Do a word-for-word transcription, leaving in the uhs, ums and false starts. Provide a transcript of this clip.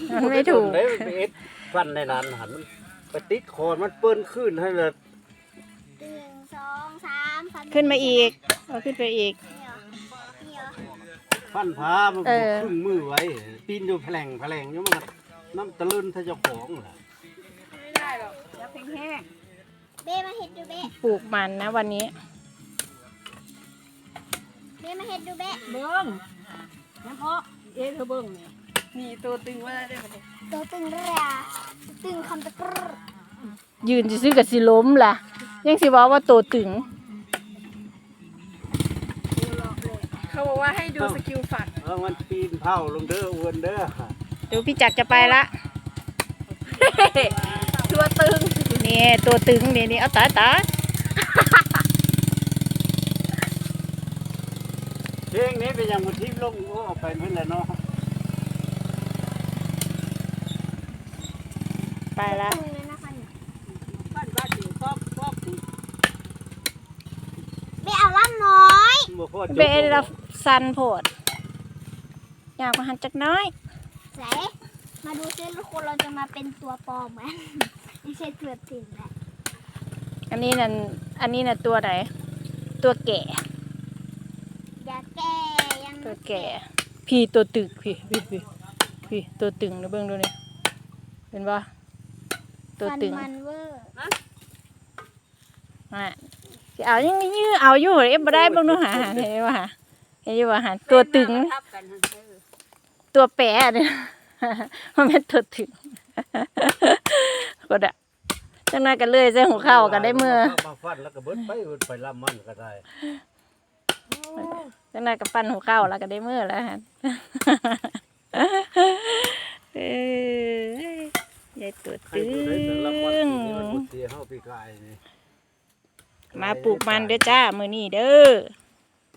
มันไม่ถูกได้ไปเอ็ดฟันในนั้นหันมันไปติดคอมันเปิ้นขึ้นให้เลยหนึ่งสองสามฟันขึ้นมาอีกเอาขึ้นไปอีกนี่เหรอนี่เหรอฟันพามันเออครึ่งมือไว้ปีนอยู่แผลงแผลงอยู่มันน้ำตะลึนถ้าเจ้าของล่ะไม่ได้หรอกอย่าเพ่งแห้งเบ้มาเห็ดดูเบ้ปลูกมันนะวันนี้เบ้มาเห็ดดูเบ้เบิ้งน้ำเพาะเอ๊ะเธอเบิ้งนี่นี่ตัวตึงว่าได้ไหมเนี่ยตัวตึงเรียตึงคำตะกรยืนซื้อกับสิล้มล่ะ ยังสิว่าว่าโตตึงเขาบอกว่าให้ดูสกิลฝัดเออมันปีนเผาลงเด้ออ้วนเด้อเดี๋ยวพี่จักรจะไปละตัวตึงนี่ตัวตึงนี่นี่เอาตาตาเพลงนี้เป็นอย่างมันทิพย์ลงโอ้เอาไปเพื่อนแหละเนาะไปละตึงเลยนะคะเนี่ยบ้านบ้านอยู่ป๊อกป๊อกเบ้เอาล่ำน้อยบ่พอจบเบลละสันโพดอยากมาหันจักหน้อยไหนมาดูซิทุกคนเราจะมาเป็นตัวปลอมไหม ไม่ใช่ตัวจริงแหละอันนี้นั่นอันนี้น่ะตัวไหนตัวแก่อย่าแก้ยังตัวแก่ พี่ตัวตึกพี่พี่พี่พี่ตัวตึงนะเบิ่งดูนี่เป็นปะตัวฟันตึงมันเวอร์อ่ะสิเอายังยื้อเอาอยู่เอฟบ่ได้เบิ่งดูหาหาเห็นบ่หาเห็นอยู่ว่าหาตัวตึงทับกันเออตัวแปะเนี่ย มันเป็นตัวตึง ก็ได้จังนั้นกันเลยใส่หัวเข่ากันได้เมื่อมาฟันแล้วก็เบิดไปเบิดไปลำมันก็ได้จังนั้นกับปั้นหัวเข่าแล้วก็ได้เมื่อแล้วฮะ เอ้ยยายตัวใครตึบ่ได้แต่ละวันงนี่มันบ่เสียเฮาปีกายนี่มาปลูกมันเด้อจ้ามื้อนี้เด้อ